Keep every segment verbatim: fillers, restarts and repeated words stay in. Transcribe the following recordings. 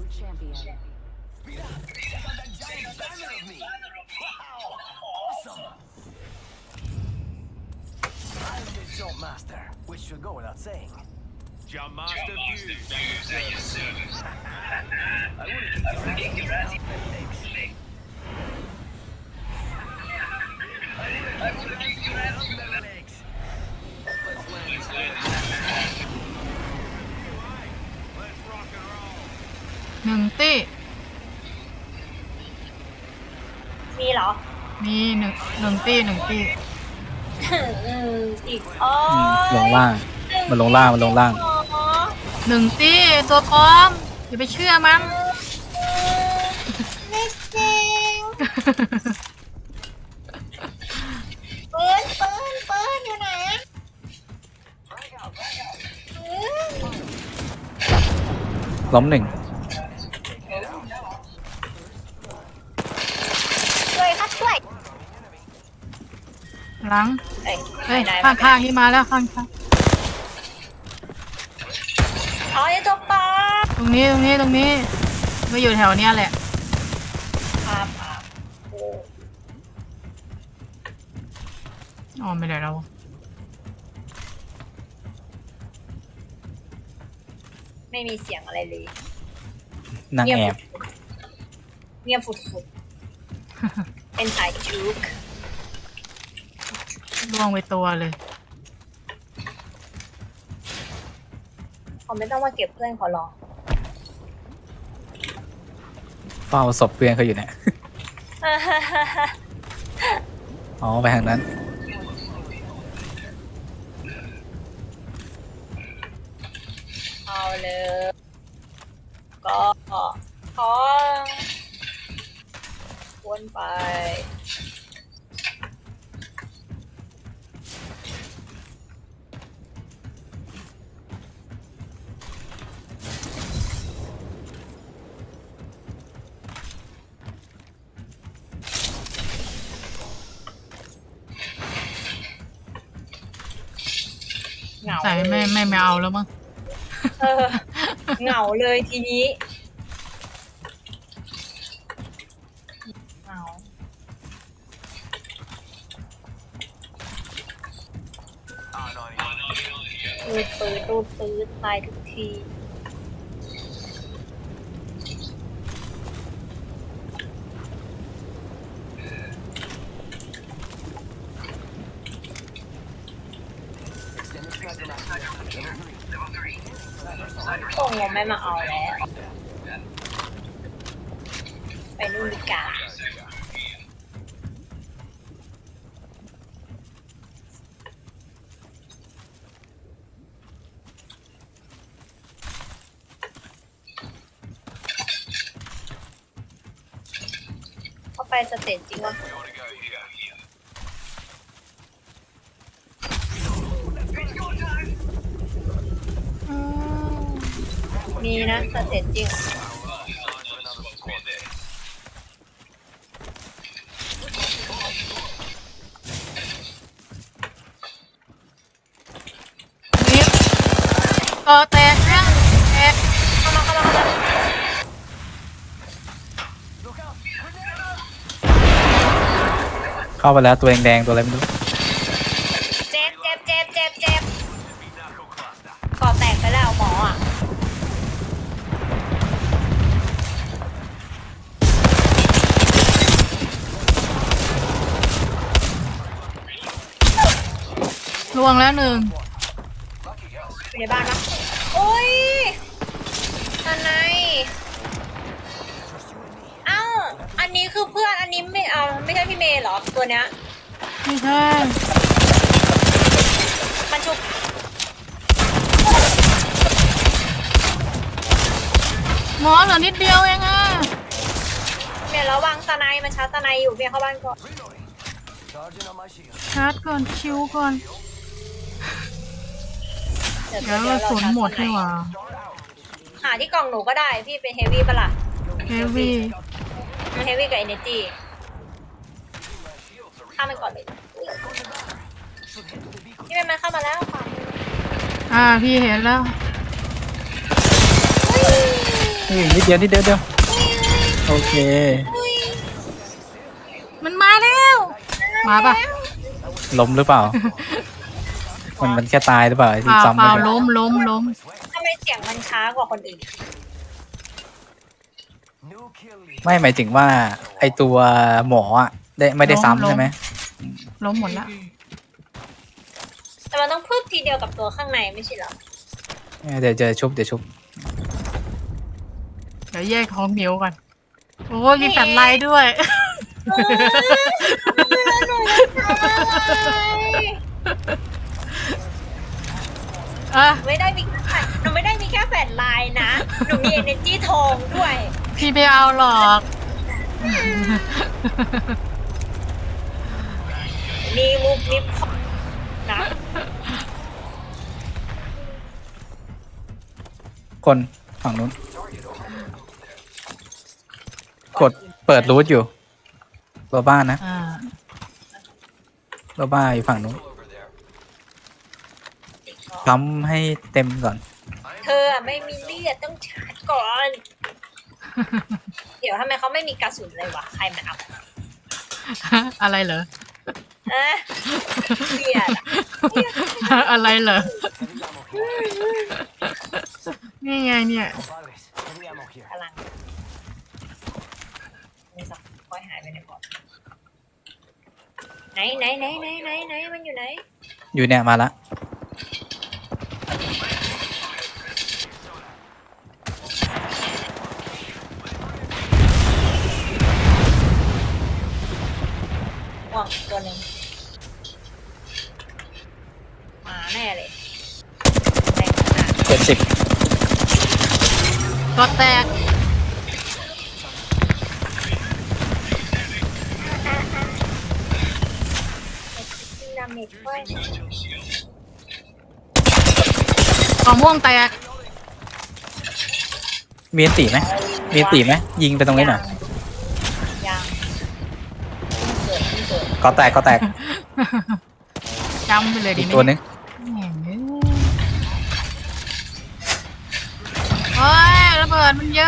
Jump master, which should go without saying. Jump master fuse at your service. I wouldn't kick your ass. I wouldn't kick your ass. Legs. Let's rock and roll. หนึ่งตี้มีเหรอมีหนึ่งหนึ่งตี้หนึ่งตี้อืมอีกอ๋ออืมลงล่างมันลงล่างมันลงล่างอ๋อหนึ่งตี้ตัวปลอมอย่าไปเชื่อมันไม่จริงปืนปืนปืนอยู่ไหนอะปืนล้มหนึ่งช่วยครับช่วยหลังเอ้ยเฮ้ยไหนๆข้างข้างๆที่มาแล้วข้างข้างอ๋อไอ้ตัวปลอมตรงนี้ตรงนี้ตรงนี้มาอยู่แถวเนี้ยแหละครับครับโอ้อ๋อไม่ได้แล้วไม่มีเสียงอะไรเลยนางแอบเงียบฟุดๆเป็นสายจุกล่วงไปตัวเลยเขาไม่ต้องมาเก็บเพื่อนเขาหรอกเฝ้าศพเพื่อนเขาอยู่เนี่ย อ๋อไปทางนั้นเอาเลยก็ขอวนไปเหงาใส่ไม่ไม่ไม่เอาแล้วมั้งเออเหงาเลยทีนี้เหงารูดปืดรูดปืดตายทุกทีคงไม่มาเอาแล้ว ไปนู่นดีกว่าเข้าไปสเตจจริงวะ We ought to go here. อืมมีนะสเตจจริงนี่เออแตกนะแตกเข้ามาเข้ามาเข้ามาเข้าไปแล้วตัวแดงๆตัวอะไรไม่รู้เจ็บเจ็บเจ็บเจ็บเจ็บก่อแตกไปแล้วหมออ่ะล่วงแล้วหนึ่งอยู่ในบ้านปะโอ้ยอันไหนเอ้าอันนี้คือเพื่อนอันนี้ไม่เอาไม่ใช่พี่เมย์เหรอตัวเนี้ยไม่ใช่มันชุบหมอเหลือนิดเดียวเองอ่ะเมย์ระวังสไนมันชาร์จสไนอยู่เมย์เข้าบ้านก่อน Charging on my shield. ชาร์จก่อนชิวก่อนเดี๋ยวเดี๋ยวเดี๋ยวกระเราสุนชาร์จหมดสไนนี่หว่าหาที่กล่องหนูก็ได้พี่เป็นเฮฟวี่ปะล่ะเฮฟวี่มันเฮฟวี่กับเอเนจีข้ามมันก่อนเลยพี่เมย์มันเข้ามาแล้วค่ะอ่าพี่เห็นแล้วอุ้ยเฮ้ยนิดเดียวนิดเดียวเดียวโอเคมันมาแล้ว มาปะล้มหรือเปล่า มันมันแค่ตายหรือเปล่าไอ้เปที่ล่าซ้ำเปล่าไปล้มล้มล้มทำไมเสียงมันช้ากว่าคนอื่น New kill leader. ไม่หมายถึงว่าไอตัวหมออ่ะได้ไม่ได้ซ้ำใช่ไหมล้มหมดละแต่มันต้องพึ่งทีเดียวกับตัวข้างในไม่ใช่เหรอเดี๋ยวเจอชุบเดี๋ยวชุบเดี๋ยวแยกของเหมียวก่อนโอ้ยมีแฟลชไลท์ด้วยเออหนูจะตายอ่ะไม่ได้มีแค่หนูไม่ได้มีแค่แฟลชไลน์นะ หนูมี energy ทองด้วยพี่ไม่เอาหรอกมีมุกนิบนะคนฝั่งนู้น กดเปิดรูทอยู่ตัวบ้านนะอ่าตัวบ้านอยู่ฝั่งนู้นทำให้เต็มก่อนเธออะไม่มีเลือดต้องชาร์จก่อน เดี๋ยวทำไมเขาไม่มีกระสุนเลยวะ ใครมันเอาอะไรเหรออะเกลียดอะอะไรเหรอ Heavy ammo here. นี่ไงเนี่ย Compadres, heavy ammo here. พลังนี่สักค่อยหายไปในพอร์ตไหนไหนไหนไหนไหนไหนมันอยู่ไหนอยู่เนี่ยมาละห่วงตัวหนึ่งมาแน่เลยแรงขนาดเจ็ดสิบก็แตกดาเมจด้วยกล่องม่วงแตกมีอันตีไหมมีอันตีไหมยิงไปตรงนี้หน่อยยังเกิดเกิดก็แตกก็แตกจำไปเลยดีอีกไหมตัวนึงแหม่เฮ้ยระเบิดมันเยอะ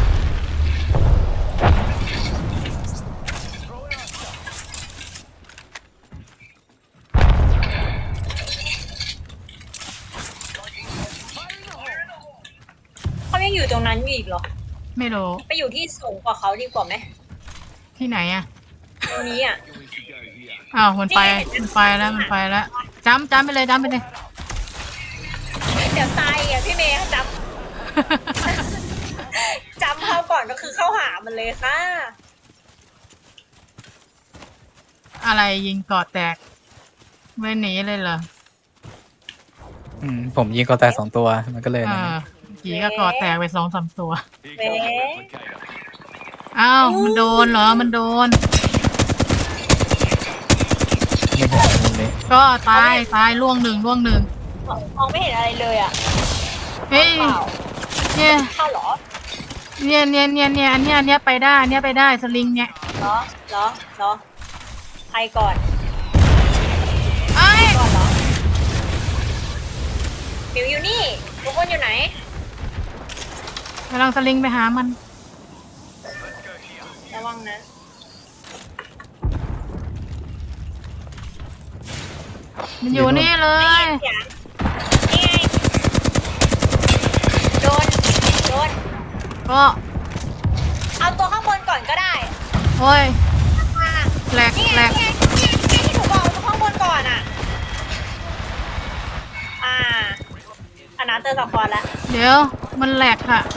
เขายังอยู่ตรงนั้นอยู่อีกเหรอไม่รู้ไปอยู่ที่สูงกว่าเขาดีกว่าไหมที่ไหนอะตรงนี้อ่ะอ้าวมันไปมันไปแล้วมันไปแล้วจำจำไปเลยจำไปเลยเดี๋ยวตายอ่ะพี่เมย์จำ จำเขาก่อนก็คือเข้าหามันเลยค่ะอะไรยิงเกาะแตกไม่หนีเลยเหรออืมผมยิงก็แตกสองตัวมันก็เลยเอนะอผีก็เกาะแตกไปสองสามตัว Here comes the Where? replicator. อ้าวมันโดนเหรอมันโดนไม่เห็นมุมนี้ก็ตายตายล่วงหนึ่งล่วงหนึ่งมองไม่เห็นอะไรเลยอ่ะเฮ้ยเปล่าเนี่ยเข้าเหรอเนี่ยเนี่ยเนี่ยเนี่ยอันเนี้ยอันเนี้ยไปได้อันเนี้ยไปได้สลิงเนี่ยเหรอเหรอเหรอใครก่อนไอ้ยก่อนเหรอมิวอยู่นี่ทุกคนอยู่ไหนกำลังสลิงไปหามันระวังนะมันอยู่นี่เลยเสียงนี่ไงโดนโดนก็เอาตัวข้างบนก่อนก็ได้โอ้ยมาแหลกนี่แหไงลกนี่ไงนี่ไงที่หนูบอกเอาตัวข้างบนก่อนอ่ะ อ่าอันนั้นเตอร์สควอตแล้วเดี๋ยวมันแหลกค่ะ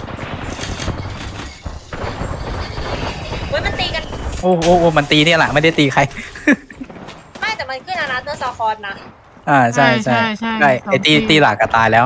เฮ้ยมันตีกันโอ้โอ้โอ้มันตีเนี่ยแหละไม่ได้ตีใครไม่แต่มันขึ้นอันนั้นเตอร์สควอตนะอ่าใช่ใช่ใช่ใช่สองไอตีที่ตีหลักก็ตายแล้ว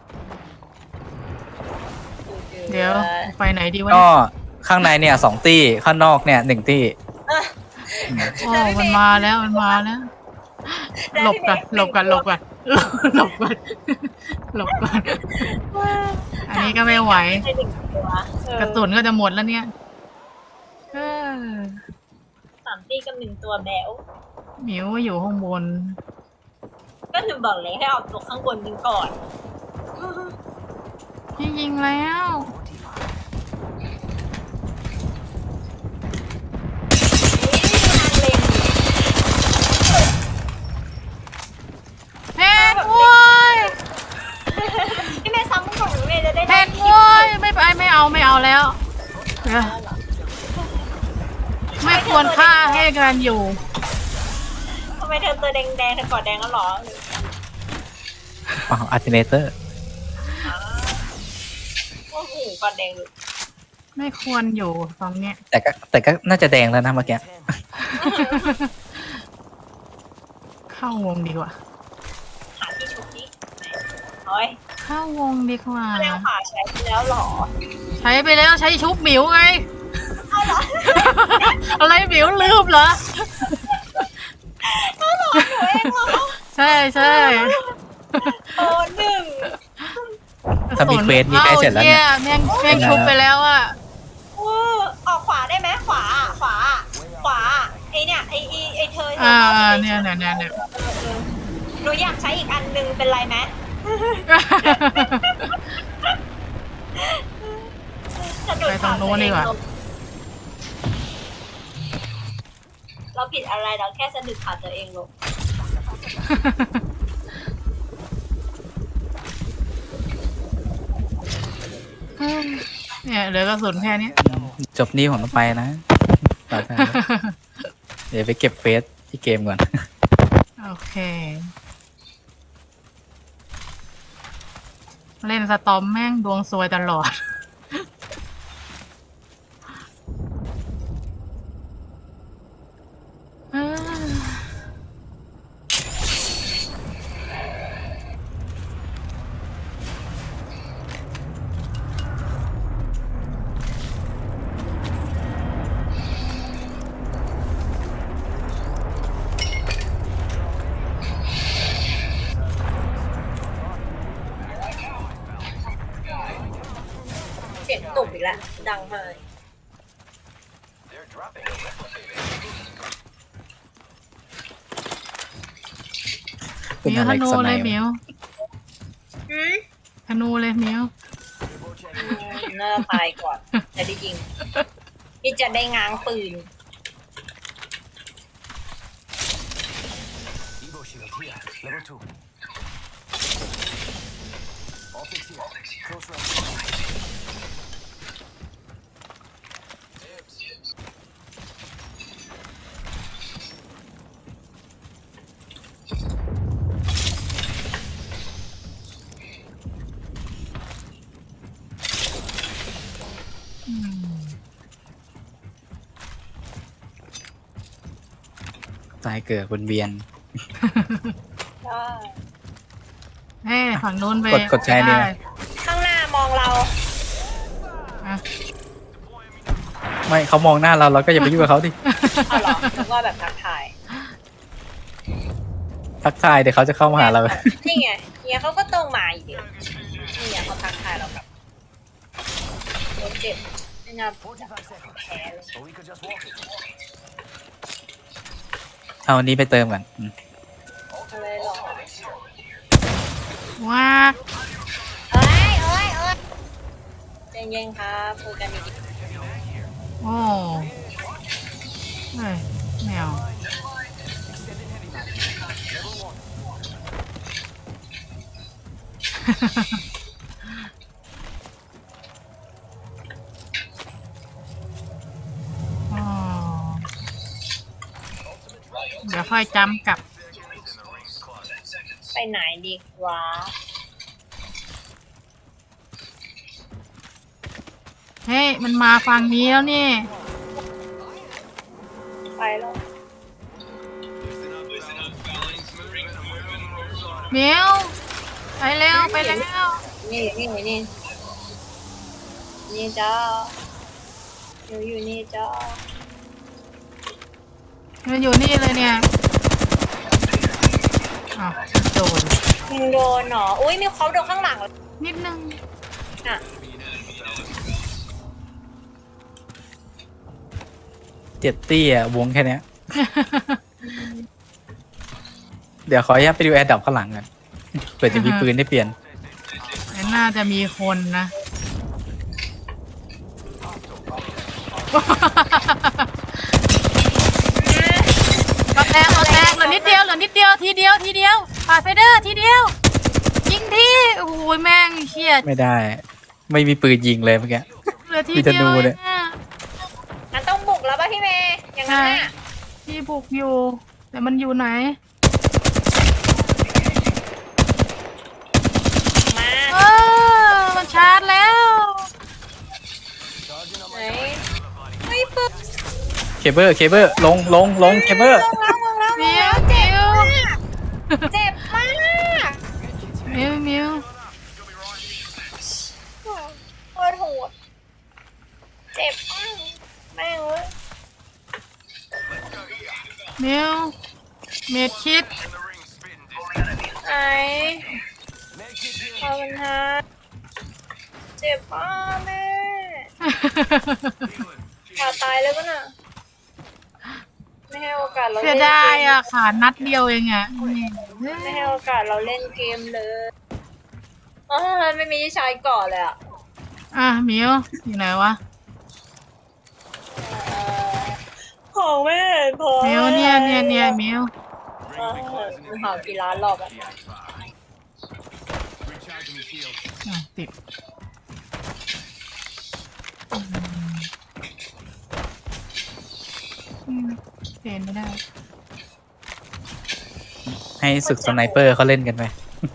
เดี๋ยวไปไหนดีวะก็เนี่ยข้างในเนี่ยสองตีข้างนอกเนี่ยหนึ่งตีเออโอ้มันมาแล้วมันมาแล้ว หลบก่อนหลบก่อนหลบก่อนหลบก่อนหลบก่อนอันนี้ก็ไม่ไหวใช่หนึ่งตัวเออกระสุนก็จะหมดแล้วเนี่ยเออสามตีกับหนึ่งตัวแบวหมิวอยู่ข้างบนก็หนูบอกเลยให้เอาตัวข้างบนยิงก่อนพี่ยิงแล้วไม่ไม่เอาไม่เอาแล้วเดี๋ยวไม่ควรฆ่าให้กันอยู่ทำไมเธอตัวแดงๆเธอกอดแดงก็หรออ๋ออัลเทอร์เนเตอร์โอ้โหกอดแดงเลยไม่ควรอยู่ตรงเนี้ยแต่ก็แต่ก็น่าจะแดงแล้วนะเมื่อกี้เข้าวงดีกว่าหาที่ชุบดิโอ้ยเข้าวงดีกว่าแรงขวาใช้ไปแล้วหรอใช้ไปแล้วใช้ชุบหมิวไงเอาเหรออะไรหมิวลืมเหรอเอาเหรอหนูเองเหรอใช่ใช่โอ้หนึ่งถ้ามีเควสนี่ใกล้เสร็จแล้วเนี่เนี่ย ยแม่งแม่งชุบไปแล้วอ่ะโอ้ออกขวาได้ไหมขวาขวา ขวาไอเนี่ยไอไอไอเธออ่าเนี่ยเนี่ยเนี่ยเนี่ยหนูอยากใช้อีกอันนึงเป็นไรไหมสะดุดไปตรงโน้นดีกว่าเราผิดอะไรเราแค่สะดุดขาตัวเองลงเนี่ยเหลือกระสุนแค่นี้จบนี้ผมต้องไปนะต่อไปเดี๋ยวไปเก็บเฟสที่เกมก่อนโอเค เล่นสตอมแม่งดวงซวยตลอดเสียงตุ่มอีกแล้ว ดังเลยเป็นมิวอะไรธนูสไนเลยป์มิวหืมธนูเลยมิวน่าตายก่อนจะได้ยิงนี่จะได้ง้างปืน Evo shield here. Level two. Optics here. Close range. ตายเกิดบนเวียนเฮ้ยฝั่งนู้นไปกดกดใช้เนี่ยได้ข้างหน้ามองเราอ่ะไม่เขามองหน้าเราเราก็อย่าไปยุ่งกับเขาดิเอาเหรอนึกว่าแบบทักทายทักทายเดี๋ยวเขาจะเข้ามาหาเรานี่ไงเนี่ยเขาก็ต้องมาอีกเดียวนี่ไงเขาทักทายเรากับรถเจ็บไม่น่า forty-five seconds. แพ้เลย Or we could just walk it. เอาอันนี้ไปเติมก่อนอืมอะไรหรอว้าเอ้ยเอ้ยเอ้ยใจเย็นครับคุยกันดีโอ้เฮ้ยแมว อ๋อเดี๋ยวค่อยจำกลับๆไปไหนดีวะเฮ้ย มันมาฝั่งนี้แล้วนี่ไปแล้วเมียวไปแล้วไปแล้วนี่นี่นี่นี่จ้าอยู่อยู่นี่จ้ามันอยู่นี่เลยเนี่ยอ้าวโดนมึงโดนเหรออุ้ยมีเขาโดนข้างหลังนิดนึงอ่ะเจ็ดตี้อะวงแค่เนี้ย เดี๋ยวขออนุญาตไปดูแอร์ดับข้างหลังกันเผื่อจะมีปืนได้เปลี่ยนน่าจะมีคนนะ ก็แตกก็แตกเหลือนิดเดียวเหลือนิดเดียวทีเดียวทีเดียวปาดไฟเดอร์ทีเดียวยิงทีโอ้โหแม่งเชี่ยไม่ได้ไม่มีปืนยิงเลยเมื่อกี้เหลือที่มีธเดียนูวเนี่ยเนี่ยงั้นต้องบุกแล้วป่ะพี่เมย์อย่างนั้นน่ะที่บุกอยู่ แต่มันอยู่ไหนมาเออมันชาร์จแล้ว Charging on ไหน my ไม่ปึกเคเบิลเคเบิลลงลงลงเคเบิลลงแล้วลงแล้วลมิงวแล้วมิเจ็บวมากเจ็บมากมิวมิวโคตรโหดเจ็บมากแม่งเว้ยมิวเม็ดคิดไหน Medkit here. ขอบคุณฮะเจ็บมากแม่ขาตายเลยปะน่ะไม่ให้โอกาสเราเสียเล่นดายเกมอ่ะขานัดเดียวเองอ่ะไม่ให้โอกาสเราเล่นเกมเลยอ๋อไม่มีที่ใช้ก่อนเลยอ่ะอ่ะมิวอยู่ไหนวะเอ่อของไม่เห็นพอมิวเนี่ยเนี่ยเนี่ยมิวเออมึงหากี่ล้านรอบอ่ะ Recharging my shield. อ่ะติดอืมเปลี่ยนไม่ได้ให้ศึกสไนเปอร์เขาเล่นกันไหม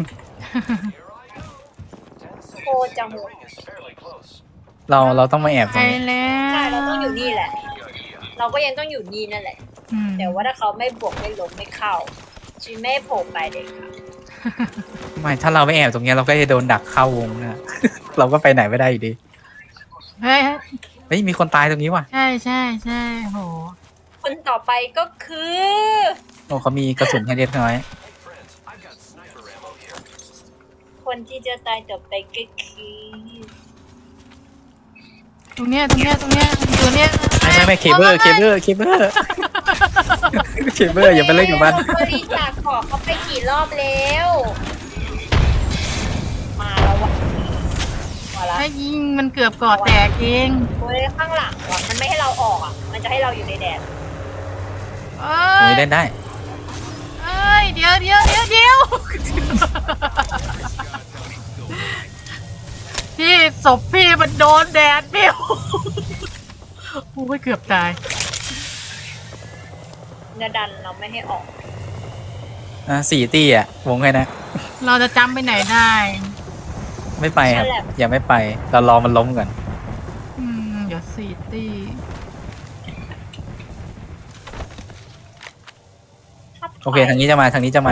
โคตรจังหวะ Is fairly close. เราเราต้องมาแอบตไปรงนี้แล้ใช่วเราต้องอยู่นี่แหละ เราก็ยังต้องอยู่นี่นั่นแหละอืมแต่ว่าถ้าเขาไม่บวกไม่ล้มไม่เข้าชีไม่โผล่ไปเลยค่ะไม่ถ้าเราไม่แอบตรงเนี้ยเราก็จะโดนดักเข้าวงนะ เราก็ไปไหนไม่ได้อยู่ดีเฮ้ยเฮ้ยมีคนตายตรงนี้ว่ะใช่ใช่ใช่โหคนต่อไปก็คือโอ้เขามีกระสุนให้เล็กน้อย Hey friends, I've got sniper ammo here. คนที่จะตายต่อไปก็คือตรงเนี้ยตรงเนี้ยตรงเนี้ยอยู่เนี้ยไม่ไม่ไม่เคเบิลเคเบิลเคเบิลเคเบิลอย่าไปเล่นกับมันบริจาคของเขาไปกี่รอบแล้ว มาแล้ววะมาแล้วถ้ายิงมันเกือบก่อแตกเองโอ้ยข้างหลังว่ะมันไม่ให้เราออกอ่ะ มันจะให้เราอยู่ในแดดเอ้ตรงยนี้เล่นได้เอ้ยเดี๋ยวเดี๋ยวเดี๋ยวเดี๋ยวพี่ศพพี่มันโดนแดดเดียวโอ้ยเกือบตายเนื้อดันเราไม่ให้ออกอ่ะสี่ตี้อ่ะวงแค่นะเราจะจำไปไหนได้ไม่ไปครับอย่าไม่ไปเรารอมันล้มก่อนอืมเดี๋ยวสี่ตีโอเคทางนี้จะมาทางนี้จะมา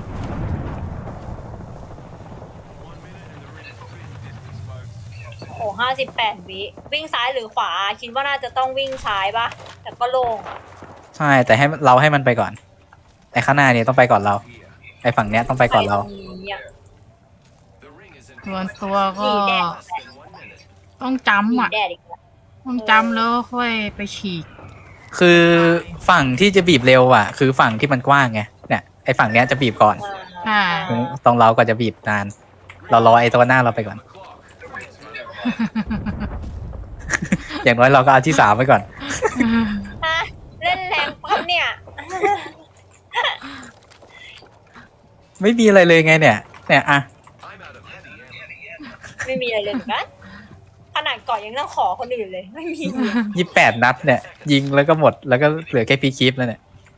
โอ้ห้าสิบแปดวิวิ่งซ้ายหรือขวา คิดว่าน่าจะต้องวิ่งซ้ายปะแต่ก็โล่งอะใช่แต่ให้เราให้มันไปก่อนไอ้ข้างหน้าเนี่ยต้องไปก่อนเราไอ้ฝั่งเนี้ยต้องไปก่อนเราไปตรงนี้อะ The ring is in ส่วนตัวก็มีแดด less than one minute. ต้องมีจำอ่ะแดดอีกแล้วต้องจำแล้วค่อยไปฉีกคือฝั่งที่จะบีบเร็วอ่ะ คือฝั่งที่มันกว้างไงเนี่ยไอ้ฝั่งเนี้ยจะบีบก่อนอ่าตรงเราก็จะบีบนาน เรารอไอ้ตัวหน้าเราไปก่อน อย่างน้อยเราก็เอาที่สามไปก่อนฮะเล่นแรงปั๊บเนี่ยไม่มีอะไรเลยไงเนี่ย เนี่ยอ่ะ I'm out of heavy ammo. ไม่มีอะไรเลยเหมือนกันขนาดเกาะยังต้องขอคนอื่นเลย ไม่มียี่แปดนัดเนี่ย ยิงแล้วก็หมดแล้วก็เหลือแค่พีคีฟแล้วเนี่ย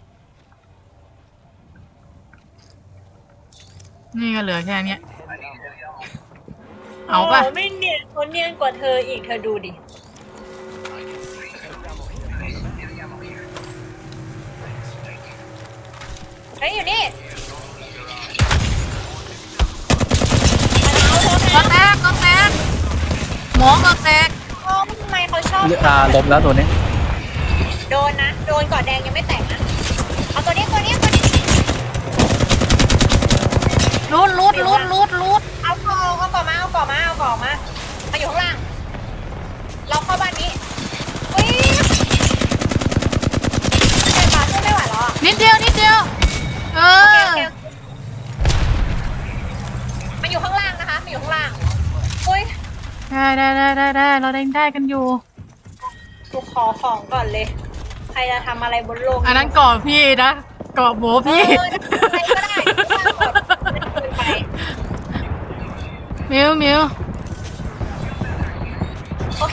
นี่ก็เหลือแค่เนี้ย Heavy ammo. เอาป่ะโไม่เนียนคนเนียนกว่าเธออีกเธอดูดิ เฮ้ยอยู่นี่ก็แตกก็แตกหมอก็แตกโอ้ทำไมเขาชอบอ่าล้มแล้วตัวนี้โดนนะ โดนกอดแดงยังไม่แตกนะ เอาตัวนี้ตัวนี้ตัวนี้รูดรูดรูดรูดรูดเอาเกาะเอาเกาะมาเอาเกาะมาเอาเกาะมา มาอยู่ข้างล่าง เราเข้าบ้านนี้อุ้ยเจ็บปากสู้ไม่ไหวแล้วอ่ะนิดเดียวนิดเดียว เอโออเคโอเคมันอยู่ข้างล่างนะคะมันอยู่ข้างล่าง อุ้ยได้ได้ได้ได้ได้เราได้ได้กันอยู่กูขอของก่อนเลย ใครจะทำอะไรบนโลกอันนั้นกรอบพี่นะกรอบหมูเอพี่อใครก็ได้ที่ว่างกดมันคืนไปมิวมิว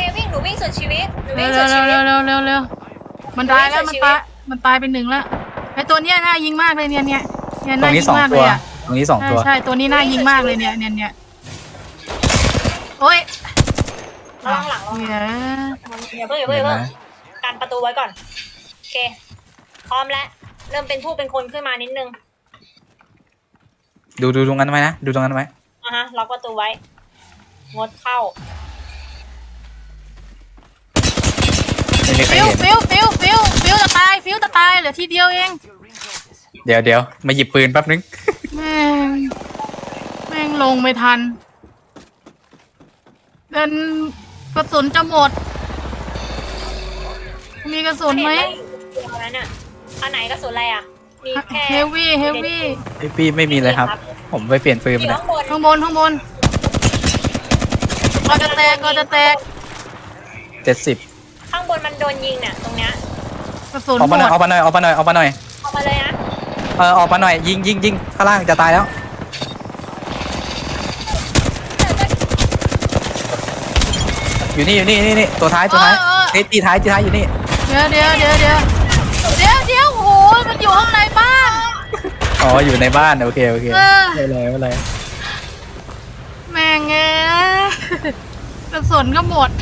เควิ่งหนูวิ่งสุดชีวิตหนูเร็วิ่วงเร็สุวดเร็ชีววิตเร็วเร็วเร็วมันตายแล้วมันตายมันตายเป็นหนึ่งแล้วไอตัวเนี้ยน่ายิงมากเลยเนี่ยเนี่ยเนี่ยตรน่าง ยินี้งสองมากเลตัวยอ่ะตรงนี้สองใช่ตัวใช่ตัวนี้น่ายิงมากเลยเนี่ยเนี่ยเนี่ยโอ้ยระวังหลังระวังหลังเนี่ยอย่าเพิ่งอย่าเพิ่งอย่าเพิ่งกันประตูไว้ก่อนโอเคพร้อมแล้วเริ่มเป็นผู้เป็นคนขึ้นมานิดนึงดูดูตรงนั้นไว้นะดูตรงนั้นไว้อ่ะฮะล็อกประตูไว้งดเข้าไม่มีใครฟิวเห็นฟิวฟิวฟิวฟิวจะตายฟิวจะตายเหลือทีเดียวเองเดี๋ยวเดี๋ยวมาหยิบปืนแป๊บนึงแม่งแม่งลงไม่ทันเดินกระสุนจะหมด มีกระสุนไหมเห็นแล้วน่ะอันไหนกระสุนอะไรอ่ะมีแค่เฮฟวี่เฮฟวี่ไอพี่ไม่มีเลยครับ ผมไปเปลี่ยนปืนอยู่มาข้างบนข้างบนข้างบนก็จะแตกก็จะแตกเจ็ดสิบข้างบนมันโดนยิงเนี่ยตรงเนี้ยกระสุนออกหมมาหน่อยดออกมาหน่อยออกมาหน่อยออกมาหน่อยเอามาเลยนะเออออกมาหน่อยยิงยิงยิงข้างล่างจะตายแล้ว อยู่นี่อยู่นี่นี่นี่ตัวท้ายตัวท้ายเฮ้ยตีท้ายตีท้ายอยู่นี่เดี๋ยวเดี๋ยวเดี๋ยวเดี๋ยวเดี๋ยวเดี๋ยวโอ้โหมันอยู่ข้างในบ้านอ๋ออยู่ในบ้านโอเคโอเคเออไม่เป็นไรไม่เป็นไรแม่งเอ้ยกระสุนก็หมด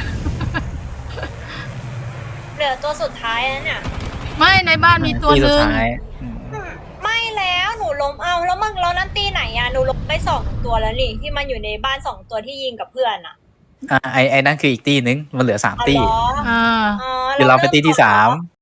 เหลือตัวสุดท้ายแล้วเนี่ยไม่ในบ้านมีตัวตีหสุดนึ่งท้ายอืมไม่แล้วหนูล้มเอาแล้วมึงแล้วนั่นตีไหนอะหนูล้มไปสองตัวแล้วนี่ที่มันอยู่ในบ้านสองตัวที่ยิงกับเพื่อนอะอ่ะไอไอนั่นคืออีกตีนึงมันเหลือสามอ๋อตีเหรออ่าอ๋อเดี๋ยวเราไปตีที่สาม